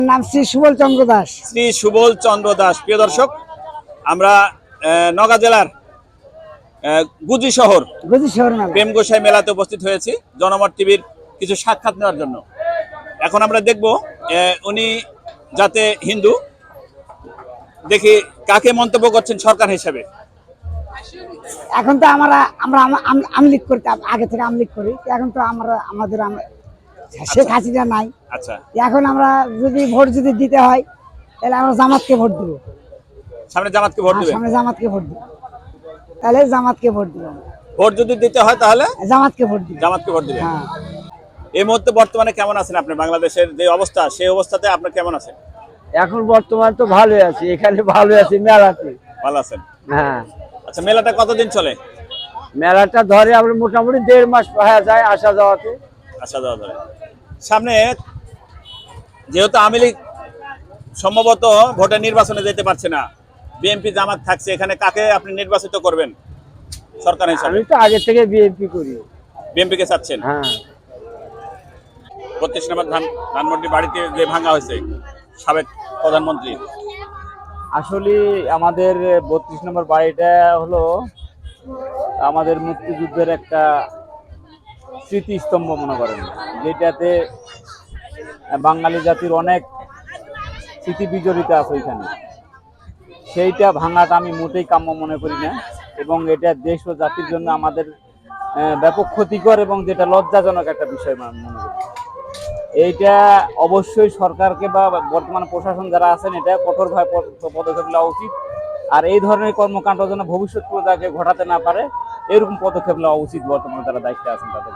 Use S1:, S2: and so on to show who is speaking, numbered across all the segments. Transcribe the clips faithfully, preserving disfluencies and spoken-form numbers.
S1: নাম শ্রী সুবল চন্দ্র দাস।
S2: শ্রী সুবল চন্দ্র দাস। প্রিয় দর্শক, আমরা নওগাঁ জেলার গুজি শহর
S1: গুজি শহর মেলা
S2: প্রেম গোসাই মেলাতে উপস্থিত হয়েছি জনমত টিভির কিছু সাক্ষাৎ নেওয়ার জন্য। এখন আমরা দেখব উনি যাতে হিন্দু, দেখি কাকে মন্তব্য করছেন সরকার হিসেবে।
S1: এখন তো আমরা আমরা আমলিক করতে আগে থেকে আমলিক করি, এখন তো আমরা আমাদের শেখ হাসিনা নাই।
S2: আচ্ছা,
S1: এখন আমরা যদি ভোট যদি দিতে হয় তাহলে আমরা জামাতকে ভোট দিব।
S2: সামনে জামাতকে ভোট দিবেন?
S1: সামনে জামাতকে ভোট দিব, তাহলে জামাতকে ভোট দিব।
S2: ভোট যদি দিতে হয় তাহলে
S1: জামাতকে ভোট দিব।
S2: জামাতকে ভোট দিবেন।
S1: হ্যাঁ।
S2: এই মুহূর্তে বর্তমানে কেমন আছেন আপনি? বাংলাদেশের যে অবস্থা, সেই অবস্থাতে আপনি কেমন আছেন?
S3: এখন বর্তমান তো ভালো আছি, এখানে ভালো আছি মেলাতে।
S2: ভালো আছেন?
S3: হ্যাঁ।
S2: আচ্ছা, মেলাটা কতদিন চলে?
S3: মেলাটা ধরে আমরা মোটামুটি দেড় মাস হয়ে যায় আসা যাওয়াতে।
S2: আসা যাওয়া ধরে। সামনে যেহেতু আওয়ামী লীগ সম্ভবত ভোটের নির্বাচনে যেতে পারছে না, বিএনপি জামাত থাকছে, এখানে কাকে আপনি নির্বাচিত করবেন সরকার হিসেবে?
S3: আমি তো আগে থেকে বিএনপি করি।
S2: বিএনপি কে চাচ্ছেন?
S3: হ্যাঁ।
S2: বত্রিশ নম্বর ধান ধানমন্ডি বাড়িতে যে ভাঙা হয়েছে সাবেক প্রধানমন্ত্রী,
S3: আসলে আমাদের বত্রিশ নম্বর বাড়িটা হলো আমাদের মুক্তিযুদ্ধের একটা স্মৃতিস্তম্ভ মনে করেন, যেটাতে বাঙালি জাতির অনেক স্মৃতি বিজড়িত আছে ওইখানে। সেইটা ভাঙাটা আমি মোটেই কাম্য মনে করি না, এবং এটা দেশ ও জাতির জন্য আমাদের ব্যাপক ক্ষতিকর এবং যেটা লজ্জাজনক একটা বিষয় মনে করি। এইটা অবশ্যই সরকারকে বা বর্তমান প্রশাসন যারা আছেন এটা কঠোরভাবে পদক্ষেপ নেওয়া উচিত, আর এই ধরনের কর্মকাণ্ড যেন ভবিষ্যৎ প্রজন্মকে ঘটাতে না পারে এরকম পদক্ষেপ নেওয়া উচিত বর্তমানে যারা দায়িত্বে আছেন তাদের।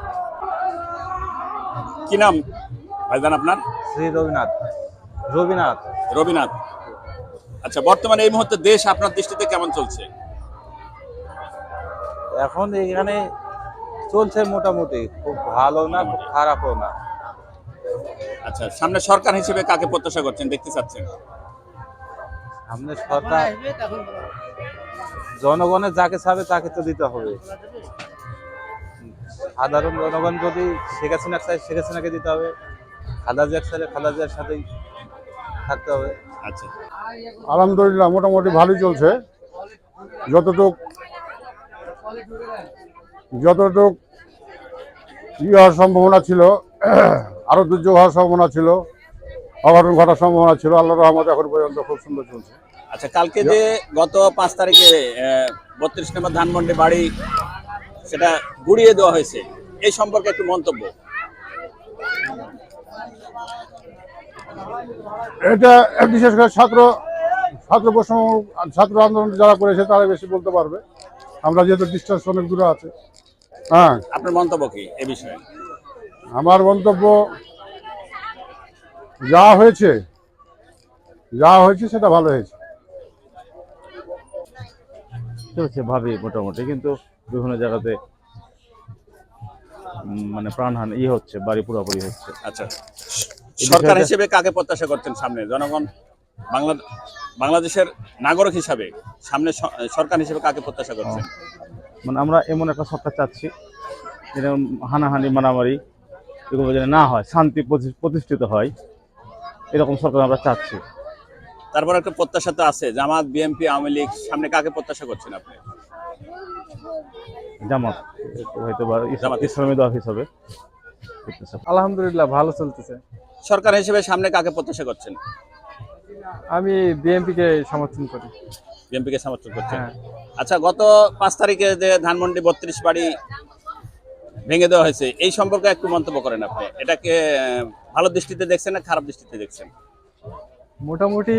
S2: কি নাম ভাইজান আপনার?
S4: শ্রী রবিনাথ। রবিনাথ
S2: রবিনাথ। আচ্ছা, বর্তমানে এই মুহূর্তে দেশ আপনার দৃষ্টিতে কেমন চলছে?
S4: এখন এখানে চলছে মোটামুটি, খুব ভালো না খুব খারাপও না।
S2: আচ্ছা, সামনে সরকার হিসেবে কাকে প্রত্যাশা করছেন, দেখতে চাচ্ছেন?
S4: সামনে সরকার জনগণের যাকে চাবে তাকে তো দিতে হবে। সাধারণ জনগণ যদি শেখ হাসিনা চায় শেখ হাসিনাকে দিতে হবে, খালেদা জিয়া চাইলে খালেদা জিয়ার সাথেই থাকতে হবে।
S2: আচ্ছা,
S5: আলহামদুলিল্লাহ মোটামুটি ভালোই চলছে। যতটুক যতটুক ই হওয়ার সম্ভাবনা ছিল, আরো দুর্যোগ হওয়ার সম্ভাবনা ছিল, অঘটন ঘটার সম্ভাবনা ছিল, আল্লাহর রহমতে এখন পর্যন্ত খুব সুন্দর চলছে।
S2: আচ্ছা, কালকে যে গত পাঁচ তারিখে বত্রিশ নম্বর ধানমন্ডি বাড়ি সেটা গুড়িয়ে দেওয়া হয়েছে, এই সম্পর্কে একটু মন্তব্য।
S5: এটা বিশেষ করে ছাত্র ছাত্র প্রশ্ন ছাত্র আন্দোলন যারা করেছে তারা বেশি বলতে পারবে, আমরা যেহেতু ডিস্টেন্স অনেক দূরে আছে। হ্যাঁ,
S2: আপনার মন্তব্য কি এই বিষয়ে?
S5: আমার মন্তব্য যা হয়েছে যা হয়েছে সেটা ভালো হয়েছে।
S6: চলছে ভাবি মোটামুটি, কিন্তু বিভিন্ন জায়গাতে মানে প্রাণহানি ই হচ্ছে, বাড়ি পুরোপুরি হচ্ছে।
S2: আচ্ছা, সরকার হিসেবে কাকে প্রত্যাশা করছেন সামনে? জনগণ বাংলা বাংলাদেশের নাগরিক হিসাবে সামনে সরকার হিসেবে কাকে প্রত্যাশা করছেন?
S6: মানে আমরা এমন একটা সরকার চাচ্ছি যেটা হানাহানি মারামারি এগুলো যেন না হয়, শান্তি প্রতিষ্ঠিত হয়, এরকম সরকার আমরা চাচ্ছি।
S2: তারপর একটা প্রত্যাশা তো আছে, জামাত বিএনপি আওয়ামী লীগ, সামনে কাকে প্রত্যাশা করছেন আপনি?
S6: জামাত হয়তো বা ইসলামী দল হিসাবে।
S7: আলহামদুলিল্লাহ ভালো চলতেছে।
S2: সরকার হিসেবে সামনে কাকে প্রত্যাশা করছেন?
S7: আমি বিএনপি কে সমর্থন করি।
S2: বিএনপি কে সমর্থন করছেন?
S7: হ্যাঁ।
S2: আচ্ছা, গত পাঁচ তারিখে যে ধানমন্ডি বত্রিশ বাড়ি ভেঙে দেওয়া হয়েছে, এই সম্পর্কে একটু মন্তব্য করেন আপনি। এটাকে ভালো দৃষ্টিতে দেখছেন না খারাপ দৃষ্টিতে দেখছেন?
S7: মোটামুটি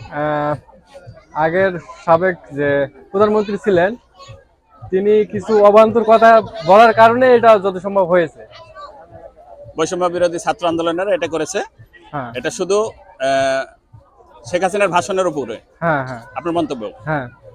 S7: আগের সাবেক যে প্রধানমন্ত্রী ছিলেন তিনি কিছু অবান্তর কথা বলার কারণে এটা যত সম্ভব হয়েছে।
S2: বৈষম্য বিরোধী ছাত্র আন্দোলনের এটা করেছে।
S7: হ্যাঁ,
S2: এটা শুধু শেখ হাসিনার ভাষণের উপরে।
S7: হ্যাঁ হ্যাঁ
S2: আপনার মন্তব্য?
S7: হ্যাঁ।